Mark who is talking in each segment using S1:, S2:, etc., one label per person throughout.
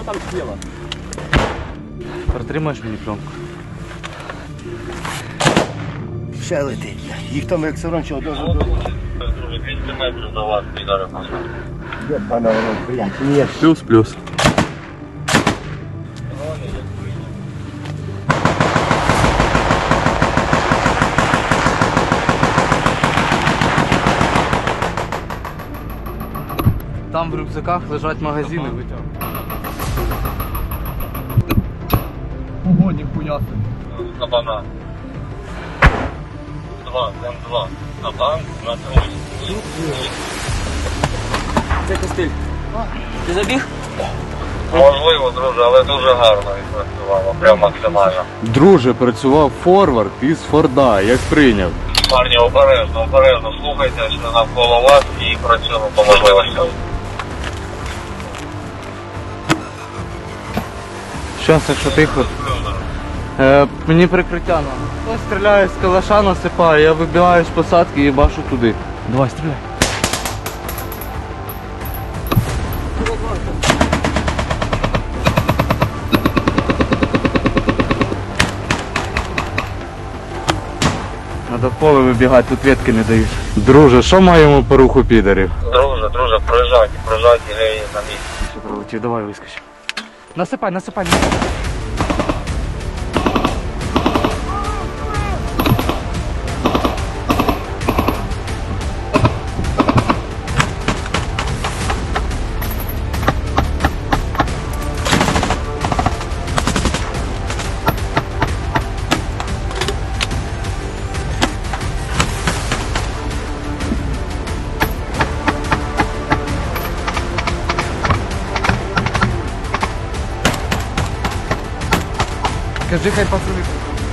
S1: там тіло.
S2: Протримаєш мені пленку?
S3: Ще летить. Їх там як саранча одразу до...
S4: 200 метрів до вас, підари.
S3: Де пана воно, блядь, ні.
S2: Плюс. Там в рюкзаках лежать магазини, витягнув.
S1: Погодник хуясний.
S4: На банан. 2, М2. На банк, на трусь.
S1: Це костиль. Ти забіг?
S4: Можливо, друже, але дуже гарно відпрацювало. Прям максимально.
S2: Друже, працював форвард із Форда, як прийняв.
S4: Парні, обережно слухайте, що навколо вас і працюємо по можливостям.
S2: Щас, якщо тихо. Мені прикриття надо. Хтось стріляє з калаша, насипає, я вибігаю з посадки і бачу туди. Давай, стріляй. Надо в поле вибігати, тут ветки не дають. Друже, що маємо по руху підарів?
S4: Друже, проїжджайте, гей, на місці.
S2: Ще пролетів, давай вискочимо. Насипай. Кажи, хай пацани.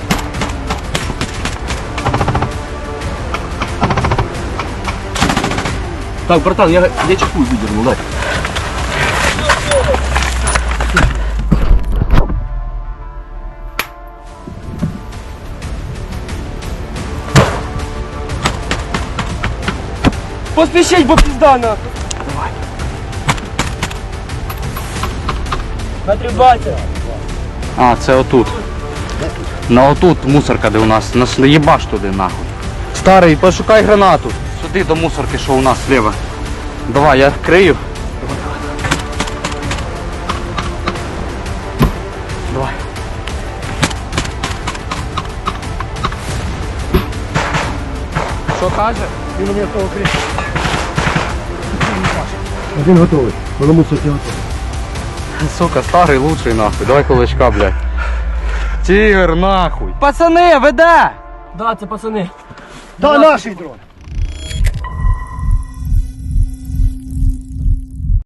S1: Так, братан, я чеку выдернул, дай. Поспешить, бо пизда нахуй. Давай. Натребайте.
S2: А, це отут. На отут мусорка, де у нас. Нас не їбаш туди нахуй. Старий, пошукай гранату. Сюди до мусорки, що у нас зліва. Давай, я крию. Давай. Що каже?
S3: Він мені того кричить. Один готовий. Воно мусить готовий.
S2: Сука, старий лучший нахуй. Давай кулачка, блядь. Тігр нахуй. Пацани, веде!
S1: Да, це пацани.
S3: Та наший дрон.